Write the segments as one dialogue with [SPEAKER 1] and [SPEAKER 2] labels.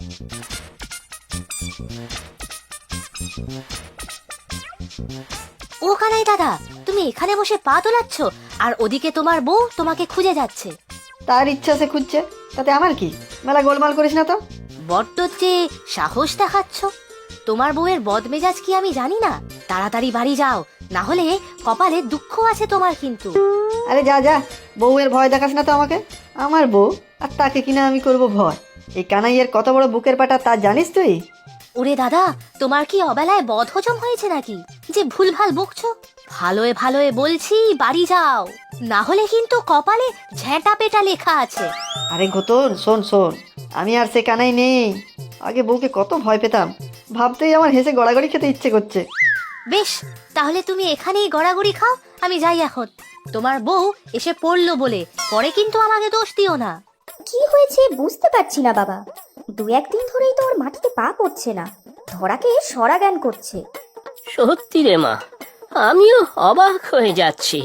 [SPEAKER 1] ও কানাই দাদা, তুমি এখানে বসে পা দোলাচ্ছ আর ওদিকে তোমার বউ তোমাকে খুঁজে যাচ্ছে।
[SPEAKER 2] তার ইচ্ছা সে খুঁজছে, তাতে আমার কি? মেলা গোলমাল করিস না তো।
[SPEAKER 1] বড্ড যে সাহস দেখাচ্ছ। তোমার বউয়ের বদমেজাজ কি আমি জানি না? তাড়াতাড়ি বাড়ি যাও, না হলে কপালে দুঃখ আছে তোমার কিন্তু।
[SPEAKER 2] আরে যা যা, বউয়ের ভয় দেখাস না তো আমাকে। আমার বউ আর তাকে কিনা আমি করব ভয়? এই কানাইয়ের কত বড় বুকের পাটা তা জানিস তুই?
[SPEAKER 1] ওরে দাদা, তোমার কি অবেলায় বদ হজম হয়েছে নাকি যে ভুলভাল বকছো? ভালোয় ভালোয় বলছি বাড়ি যাও, না হলে কিন্তু কপালে ঝেঁটা পেটা লেখা আছে।
[SPEAKER 2] আরে গোতন, শোন শোন, আমি আর সে কানাই নেই। আগে বউকে কত ভয় পেতাম, ভাবতেই আমার হেসে গড়াগড়ি খেতে ইচ্ছে করছে।
[SPEAKER 1] বেশ, তাহলে তুমি এখানেই গড়াগড়ি খাও, আমি যাই এখন। তোমার বউ এসে পড়লো বলে পরে কিন্তু আমাকে দোষ দিও না।
[SPEAKER 3] কি হয়েছে বুঝতে পারছি না বাবা। 2-1 দিন ধরেই তো ওর মাটিতে পা পড়ছে না, ধরাকে সরা জ্ঞান করছে।
[SPEAKER 4] সত্যি রে মা, আমিও অবাক হয়ে যাচ্ছি।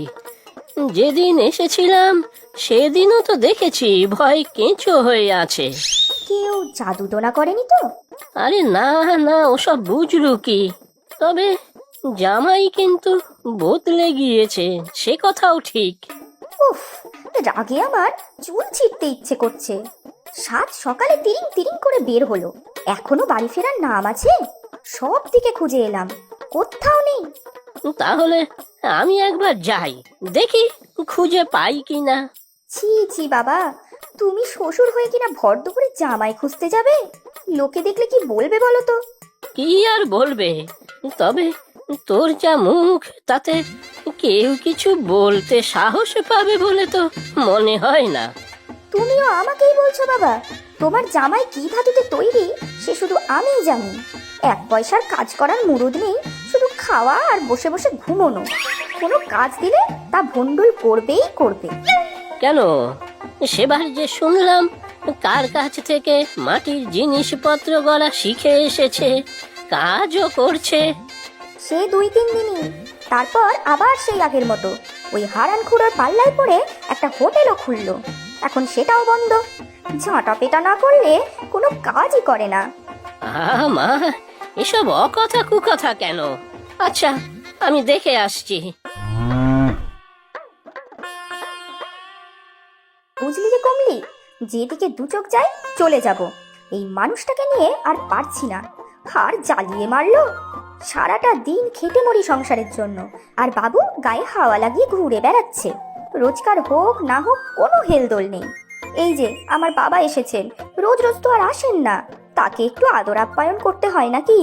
[SPEAKER 4] যেদিন এসেছিলাম সেদিনও তো দেখেছি ভয় কেঁচো হয়ে আছে।
[SPEAKER 3] কেউ জাদু টোনা করেনি তো?
[SPEAKER 4] আরে না না, ওসব বুঝলু কি? তবে জামাই কিন্তু বদলে গিয়েছে, সে কথাও ঠিক।
[SPEAKER 3] উফ, রাগে আমার চুল ছিঁড়তে ইচ্ছে করছে। সাত সকালে তিরিং তিরিং করে বের হলো, এখনো বাড়ি ফেরার নাম আছে? সব দিকে খুঁজে এলাম, কোথাও নেই।
[SPEAKER 4] তাহলে আমি একবার যাই, দেখি খুঁজে পাই কিনা।
[SPEAKER 3] ছি ছি বাবা, তুমি শ্বশুর হয়ে কিনা ভর দুপুরে জামাই খুঁজতে যাবে? লোকে দেখলে কি বলবে বলো তো?
[SPEAKER 4] কি আর বলবে, তবে তোর যা মুখ, তাতে কেউ কিছু বলতে সাহস পাবে বলে তো মনে হয় না।
[SPEAKER 3] তুমিও আমাকেই বলছো বাবা? তোমার জামাই কি ধাতুতে তৈরি সে শুধু আমিই জানি। 1 পয়সার কাজ করার মুরুদ নেই, শুধু খাওয়া আর বসে বসে ঘুমোনো। কোনো কাজ দিলে তা ভন্ডুল করবেই করবে।
[SPEAKER 4] কেন, সেবার যে শুনলাম কার কাছ থেকে মাটির জিনিসপত্র গড়া শিখে এসেছে, কাজও করছে।
[SPEAKER 3] সে 2-3 দিনই, তারপর আবার সেই আগের মতো ওই হারান খুড়োর পাল্লায় পড়ে একটা হোটেলও খুললো। এখন সেটাও বন্ধ। ঝাঁটা পেটা না করলে কোনো কাজই করে না।
[SPEAKER 4] মা, এসব অকথা কুকথা কেন? আচ্ছা, আমি দেখে আসছি।
[SPEAKER 3] বুঝলি রে কমলি, যেদিকে 2 চোখ যায় চলে যাব। এই মানুষটাকে নিয়ে আর পারছি না। আর জ্বালিয়ে মারলো। সারাটা দিন খেটে মরি সংসারের জন্য, আর বাবু গায়ে হাওয়া লাগিয়ে ঘুরে বেড়াচ্ছে। রোজগার হোক না হোক কোনো হেলদোল নেই। এই যে আমার বাবা এসেছেন, রোজ রোজ তো আর আসেন না, তাকে একটু আদর আপ্যায়ন করতে হয় নাকি?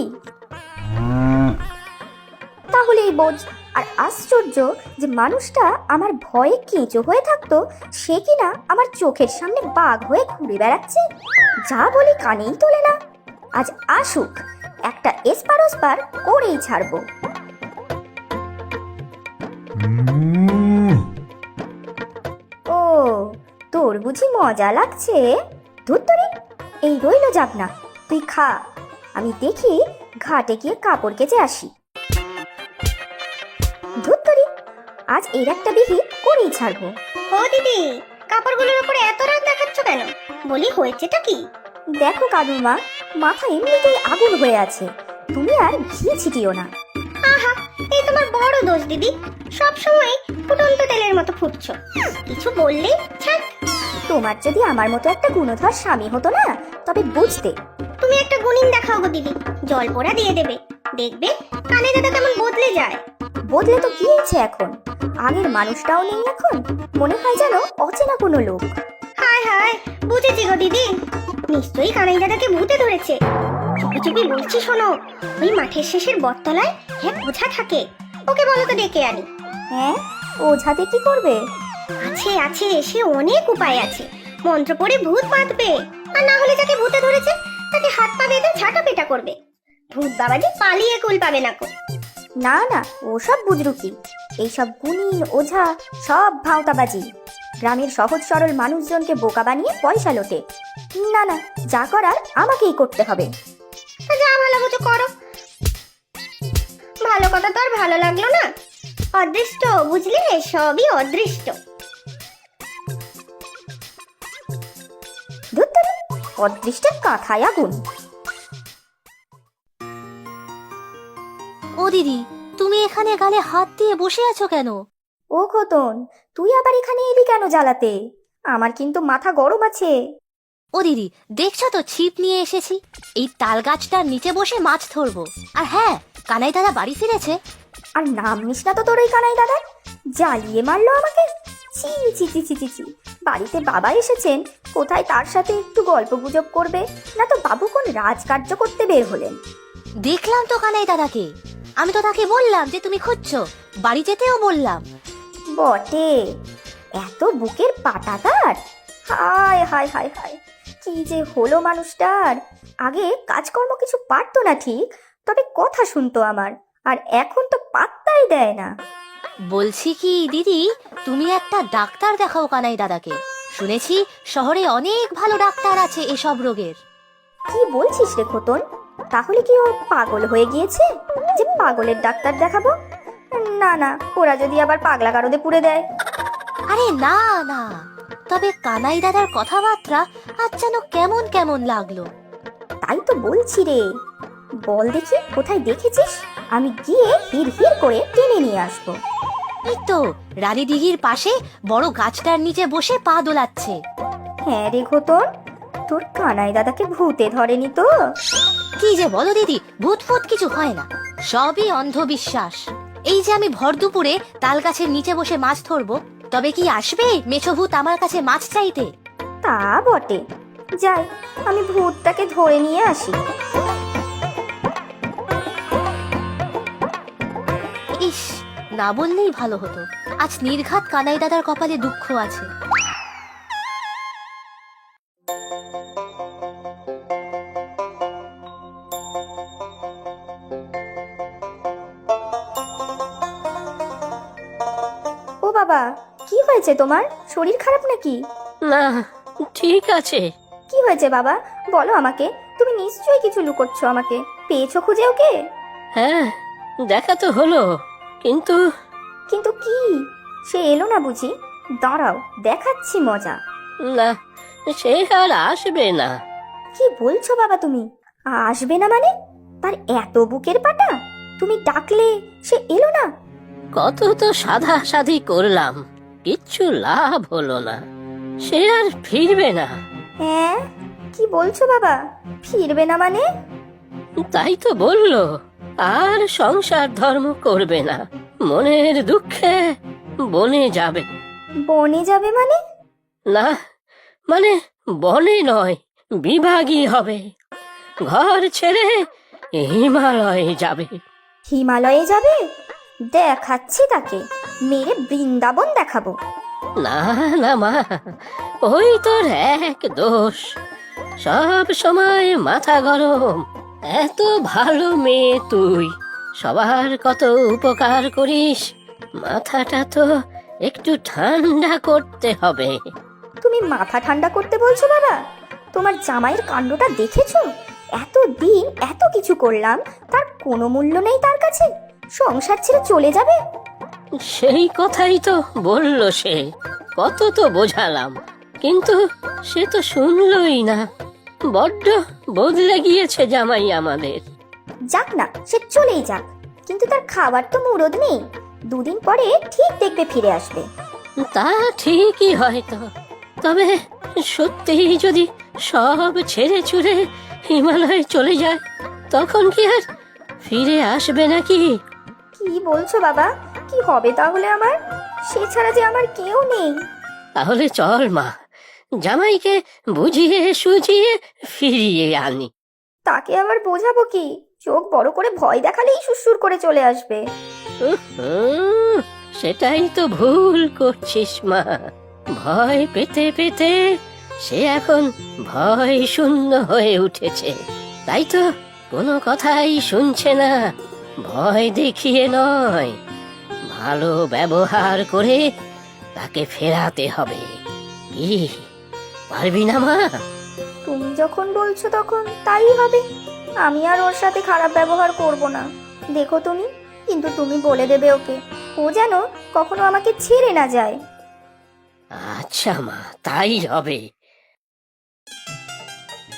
[SPEAKER 3] তাহলেই বোঝ। আর আশ্চর্য যে মানুষটা আমার ভয়ে কেঁচো হয়ে থাকতো, সে কিনা আমার চোখের সামনে বাঘ হয়ে ঘুরে বেড়াচ্ছে। যা বলি কানেই তোলে না। আজ আসুক, একটা এসপার ওসপার করেই ছাড়বো। ও, তোর বুঝি মজা লাগছে? ধুত্তরি, এই রইল যাব না, তুই খা। আমি দেখি ঘাটে গিয়ে কাপড় কেচে আসি। ধুত্তরি, আজ এর একটা বিহি করেই ছাড়বো।
[SPEAKER 5] ও দিদি, কাপড়গুলোর উপরে এত রাগ দেখাচ্ছ কেন? বলি হয়েছেটা কি?
[SPEAKER 3] দেখো কাদুমা, মাথা এমনিতেই আগুন হয়ে আছে, তুমি আর ঘি ছিটিও না।
[SPEAKER 5] আহা, এই তোমার বড় দোষ দিদি, সব সময় ফুটন্ত তেলের মতো ফুটছো। কিছু বললেই ছাক।
[SPEAKER 3] তোমার যদি আমার মতো একটা গুণধর স্বামী হতো না, তবে বুঝতে।
[SPEAKER 5] তুমি একটা গুণিন দেখাও গো দিদি, জল পোড়া দিয়ে দেবে, দেখবে কানে দাদা কেমন বদলে যায়।
[SPEAKER 3] বদলে তো গিয়েছে এখন, আগের মানুষটাও নেই এখন, মনে হয় যেন অচেনা কোনো লোক।
[SPEAKER 5] হায় হায়, বুঝেছি গো দিদি, নিশ্চয়ই কানাই দাদাকে ভূতে ধরেছে। চুপি চুপি বলছি শোনো, ওই মাঠের শেষের বটতলায় এক ওঝা থাকে, ওকে বলো তো ডেকে আনি।
[SPEAKER 3] হ্যাঁ, ওঝাতে কি করবে?
[SPEAKER 5] আছে আছে, সে অনেক উপায় আছে। মন্ত্র পড়ে ভূত বাঁধবে, আর না হলে যাকে ভূতে ধরেছে তাকে হাত পা বেঁধে ঝাঁটা পেটা করবে। ভূত বাবাজি পালিয়ে কুল পাবে না কো।
[SPEAKER 3] না না, ওসব বুঝরু কি? এইসব গুণিন ওঝা সব ভাওতাবাজি। গ্রামের সহজ সরল মানুষজনকে বোকা বানিয়ে পয়সা লোটে। না না, যা করার আমাকেই করতে হবে।
[SPEAKER 5] তা যা ভালো বুঝো করো। ভালো কথা তো আর ভালো লাগলো না। অদৃষ্ট বুঝলে, সবই অদৃষ্ট।
[SPEAKER 3] ধুত্তরি, অদৃষ্টের কাঁথায় আগুন।
[SPEAKER 1] ও দিদি, তুমি এখানে গালে হাত দিয়ে বসে আছো কেন?
[SPEAKER 3] ও খোতন, তুই আবার এখানে এলি কেন জ্বালাতে? আমার কিন্তু মাথা গরম আছে।
[SPEAKER 1] ও দিদি, দেখছো তো ছিপ নিয়ে এসেছি। এই তাল গাছটার নিচে বসে মাছ ধরবো। আর হ্যাঁ, কানাই দাদা বাড়ি ফিরেছে।
[SPEAKER 3] আর নাম নিস না তো তোর ওই কানাই দাদা, জ্বালিয়ে মারলো আমাকে। ছি ছি ছি ছি ছি ছি। বাড়িতে বাবা এসেছেন, কোথায় তার সাথে একটু গল্প গুজব করবে, না তো বাবু কোন রাজকার্য করতে বের হলেন।
[SPEAKER 1] দেখলাম তো কানাই দাদাকে। আমি তো তাকে বললাম যে তুমি খুঁজছো, বাড়ি যেতেও বললাম।
[SPEAKER 3] বটে, এত বুকের পাটা তার। হায় হায় হায় হায়, কি যে হলো মানুষটার। আগে কাজকর্ম কিছু পারতো না ঠিক, তবে কথা শুনতো আমার, আর এখন তো পাত্তাই দেয় না।
[SPEAKER 1] বলছি কি দিদি, তুমি একটা ডাক্তার দেখাও কানাই দাদাকে। শুনেছি শহরে অনেক ভালো ডাক্তার আছে এসব রোগের।
[SPEAKER 3] কি বলছিস রে খোতন? তাহলে কি ও পাগল হয়ে গিয়েছে যে পাগলের ডাক্তার দেখাবো? না না, ওরা যদি আবার পাগলা গারদে পুড়ে দেয়।
[SPEAKER 1] আরে না না, তবে কানাই দাদার কথাবার্তা আজ যেন কেমন কেমন লাগলো।
[SPEAKER 3] তাই তো বলছি রে, বল দেখি কোথায় দেখেছিস, আমি গিয়ে হির হির করে টেনে নিয়ে আসবো।
[SPEAKER 1] এই তো রানী দিঘির পাশে বড় গাছটার নিচে বসে পা দোলাচ্ছে।
[SPEAKER 3] হ্যাঁ রে খোতন, তোর কানাই দাদাকে ভূতে ধরেনি তো?
[SPEAKER 1] কি যে বলো দিদি, ভূত ফুত কিছু হয় না, সবই অন্ধবিশ্বাস। এই যে আমি ভর দুপুরে তাল গাছের নিচে বসে মাছ ধরবো, তবে কি আসবে মেছো ভূত আমার কাছে মাছ চাইতে?
[SPEAKER 3] তা বটে, যাই আমি ভূতটাকে ধরে নিয়ে আসি।
[SPEAKER 1] ইস, না বললেই ভালো হতো। আজ নির্ঘাত কানাই দাদার কপালে দুঃখ আছে।
[SPEAKER 3] ও বাবা, কি হয়েছে তোমার? শরীর খারাপ নাকি?
[SPEAKER 4] না, ঠিক আছে।
[SPEAKER 3] কি হয়েছে বাবা, বলো আমাকে। তুমি নিশ্চয়ই কিছু লুকোচ্ছ আমাকে। পেয়েছো খুঁজে ওকে?
[SPEAKER 4] হ্যাঁ, দেখা তো হলো, কিন্তু
[SPEAKER 3] কিন্তু কি? সে এলো না বুঝি? দাঁড়াও, দেখাচ্ছি মজা।
[SPEAKER 4] না, সে আর আসবে না।
[SPEAKER 3] কি বলছো বাবা তুমি? আসবে না মানে? তার এত বুকের পাটা, তুমি ডাকলে সে এলো না?
[SPEAKER 4] কত তো সাধা সাধি করলাম, কিচ্ছু লাভ হলো না। সে আর ফিরবে না।
[SPEAKER 3] হ্যাঁ, কি বলছো বাবা? ফিরবে না মানে?
[SPEAKER 4] তাই তো বললো, আর সংসার ধর্ম করবে না, মনের দুঃখে বনে যাবে।
[SPEAKER 3] বনে যাবে মানে?
[SPEAKER 4] না, মানে বনে নয়, বিভাগী হবে। ঘর ছেড়ে হিমালয়ে যাবে।
[SPEAKER 3] হিমালয়ে যাবে? দেখাচ্ছি তাকে, মেরে বৃন্দাবন দেখাবো।
[SPEAKER 4] না না মা, ওই তোর এক দোষ, সব সময় মাথা গরম। এত ভালো মেয়ে তুই, সবার কত উপকার করিস, মাথাটা তো একটু ঠান্ডা করতে হবে।
[SPEAKER 3] তুমি মাথা ঠান্ডা করতে বলছো বাবা? তোমার জামাইয়ের কাণ্ডটা দেখেছো? এত দিন এত কিছু করলাম, তার কোনো মূল্য নেই তার কাছে? সংসার ছেড়ে চলে যাবে?
[SPEAKER 4] সেই কথাই তো বলল সে, কত তো বোঝালাম, কিন্তু সে তো শুনলই না। বড্ড বদলে গিয়েছে জামাই আমাদের।
[SPEAKER 3] যাক না, সে চলেই যাক, কিন্তু তার খাবার তো মুরদ নেই। দুদিন পরে ঠিক দেখবে ফিরে আসবে।
[SPEAKER 4] তা ঠিকই হয়তো, তবে সত্যিই যদি সব ছেড়ে ছুড়ে হিমালয়ে চলে যায়, তখন কি আর ফিরে আসবে নাকি?
[SPEAKER 3] কি বলছো বাবা? কি হবে তাহলে আমার? সে ছাড়া যে আমার কেউ নেই।
[SPEAKER 4] তাহলে চল মা, জামাইকে বুঝিয়ে সুঝিয়ে ফিরিয়ে আনি।
[SPEAKER 3] তাকে আবার বোঝাবো কি? চোখ বড় করে ভয় দেখালেই সুসুর করে চলে আসবে।
[SPEAKER 4] সেটাই তো ভুল করছিস মা। ভয় পেতে পেতে সে এখন ভয় শূন্য হয়ে উঠেছে, তাই তো কোনো কথাই শুনছে না। ভয় দেখিয়ে নয়, ভালো ব্যবহার করে তাকে ফেরাতে হবে। কি পারবি না মা?
[SPEAKER 3] তুমি যখন বলছো তখন তাই হবে। আমি আর ওর সাথে খারাপ ব্যবহার করব না। দেখো তুমি, কিন্তু তুমি বলে দেবে ওকে, ও যেন কখনো আমাকে ছেড়ে না যায়।
[SPEAKER 4] আচ্ছা মা, তাই হবে।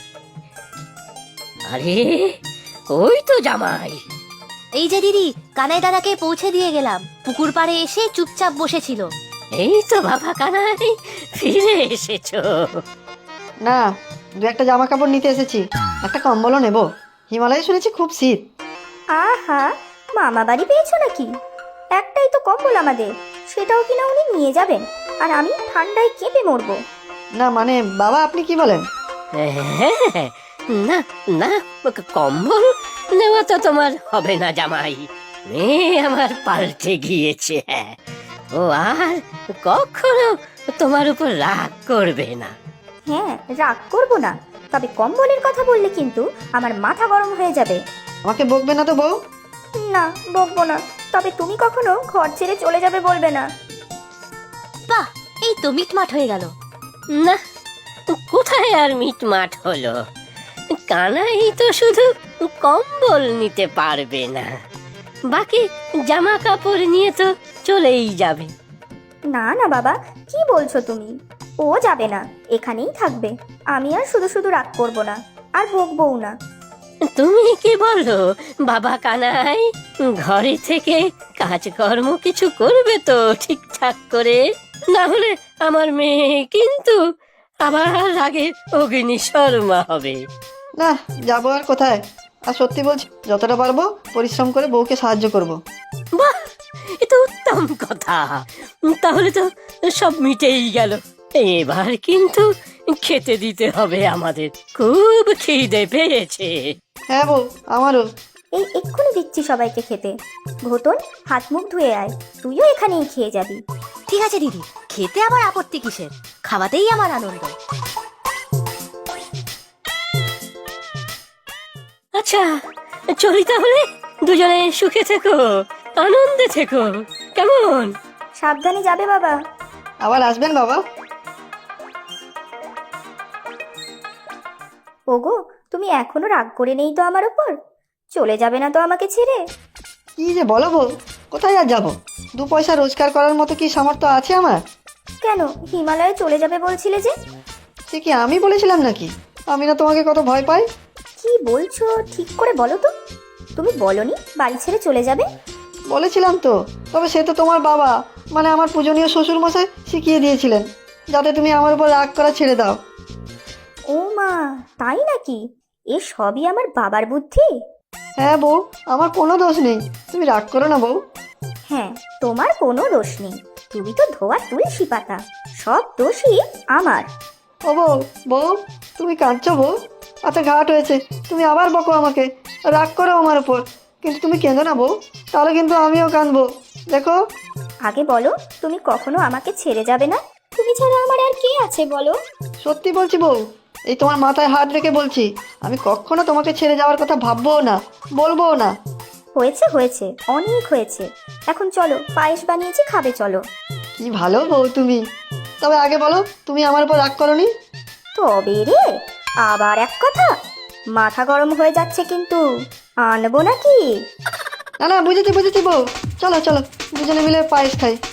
[SPEAKER 4] আরে ওই তো জামাই।
[SPEAKER 1] এই যে দিদি, কানাই দাদাকে পৌঁছে দিয়ে গেলাম। পুকুর পাড়ে এসে চুপচাপ বসেছিল।
[SPEAKER 4] এই তো বাবা কানাই, ফিরে এসেছো।
[SPEAKER 2] না, দু একটা জামা কাপড় নিতে এসেছি, একটা কম্বলও নেব। হিমালয়ে শুনেছি খুব শীত।
[SPEAKER 3] আহা, মামা বাড়ি পেয়েছো নাকি? একটাই তো কম্বল আমাদের, সেটাও কিনা উনি নিয়ে যাবেন, আর আমি ঠান্ডায় কেঁপে মরবো।
[SPEAKER 2] না মানে বাবা, আপনি কি বলেন?
[SPEAKER 4] হ্যাঁ, না না, কম্বল নেওয়া তো তোমার হবে না জামাই। মেয়ে আমার পাল্টে গিয়েছে। হ্যাঁ, ও আর কখনো তোমার উপর রাগ করবে না।
[SPEAKER 3] হ্যাঁ, রাগ করবো না, তবে কম্বলের কথা বললে কিন্তু আমার মাথা গরম হয়ে যাবে।
[SPEAKER 2] আমাকে বকবে না তো বউ?
[SPEAKER 3] না, বকবো না, তবে তুমি কখনো ঘর ছেড়ে চলে যাবে বলবে না।
[SPEAKER 1] বাহ, এই তো মিটমাট হয়ে গেল।
[SPEAKER 4] না, কোথায় আর মিটমাট হলো? কানাই তো শুধু কম্বল নিতে পারবে না, বাকি জামা কাপড় নিয়ে তো চলেই যাবে।
[SPEAKER 3] না না বাবা, কি বলছো তুমি? ও যাবে না, এখানেই থাকবে। আমি আর শুধু শুধু রাগ করবো না, আর বকবও না।
[SPEAKER 4] তুমি কি বলো বাবা কানাই? ঘরে থেকে কাজকর্ম কিছু করবে তো ঠিকঠাক করে, না হলে আমার মেয়ে কিন্তু আবার আগে অগ্নি শর্মা হবে।
[SPEAKER 2] না, যাবো আর কোথায়? আর সত্যি বলছি, যতটা পারবো পরিশ্রম করে বউকে সাহায্য করব।
[SPEAKER 4] বাহ, এ তো উত্তম কথা। তাহলে তো সব মিটেই গেল। এবার কিন্তু খেতে দিতে হবে আমাদের, খুব খিদে পেয়েছে।
[SPEAKER 2] হ্যাঁ বউ, আমারও।
[SPEAKER 3] এই এক্ষুনি দিচ্ছি সবাইকে খেতে। ঘোতন, হাত মুখ ধুয়ে আয়, তুইও এখানেই খেয়ে যাবি।
[SPEAKER 1] ঠিক আছে দিদি, খেতে আবার আপত্তি কিসের? খাওয়াতেই আমার আনন্দ।
[SPEAKER 4] আচ্ছা, চলি তাহলে। দুজনে সুখে থেকো, আনন্দে থেকো, কেমন?
[SPEAKER 3] সাবধানে যাবে বাবা।
[SPEAKER 2] আবার আসবেন বাবা।
[SPEAKER 3] ওগো, তুমি এখনো রাগ করে নেই তো আমার উপর? চলে যাবে না তো আমাকে ছেড়ে?
[SPEAKER 2] কি যে বলো বউ, কোথায় আর যাবো? 2 পয়সা রোজগার করার মতো কি সামর্থ্য আছে আমার?
[SPEAKER 3] কেন, হিমালয়ে চলে যাবে বলছিলে যে?
[SPEAKER 2] সে কি আমি বলেছিলাম নাকি? আমি না তোমাকে কত ভয় পাই?
[SPEAKER 3] কি বলছো ঠিক করে বলো তো। তুমি বলনি বাড়ি ছেড়ে চলে যাবে?
[SPEAKER 2] বলেছিলাম তো, তবে সে তো তোমার বাবা, মানে আমার পূজনীয় শ্বশুর মশাই শিখিয়ে দিয়েছিলেন যাতে তুমি আমার উপর রাগ করা ছেড়ে দাও।
[SPEAKER 3] ও মা, তাই নাকি? এ সবই আমার বাবার বুদ্ধি?
[SPEAKER 2] হ্যাঁ বউ, আমার কোনো দোষ নেই, তুমি রাগ করো না বউ।
[SPEAKER 3] হ্যাঁ, তোমার কোনো দোষ নেই, তুমি তো ধোয়া তুলসী পাতা, সব দোষই আমার।
[SPEAKER 2] ও বউ, বউ তুমি কাঁদছো বউ? আচ্ছা ঘাট হয়েছে, তুমি আবার বকো আমাকে, রাগ করো আমার উপর, কিন্তু তুমি কেঁদো না বউ, তাহলে কিন্তু আমিও কাঁদবো। দেখো,
[SPEAKER 3] আগে বলো, তুমি কখনো আমাকে ছেড়ে যাবে না? তুমি ছাড়া আমার আর কে আছে বলো?
[SPEAKER 2] সত্যি বলছি বউ, এই তোমার মাথায় হাত রেখে বলছি, আমি কখনো তোমাকে ছেড়ে যাওয়ার কথা ভাববোও না, বলবোও না।
[SPEAKER 3] হয়েছে হয়েছে, অনেক হয়েছে। এখন চলো, পায়েস বানিয়েছি, খাবে চলো।
[SPEAKER 2] কি ভালো বউ তুমি। তবে আগে বলো, তুমি আমার উপর রাগ করোনি?
[SPEAKER 3] তবে রে, আবার এক কথা, মাথা গরম হয়ে যাচ্ছে কিন্তু, আনবো নাকি?
[SPEAKER 2] না না, বুঝেছি বুঝেছি বউ, চলো চলো দুজনে মিলে পায়েস খাই।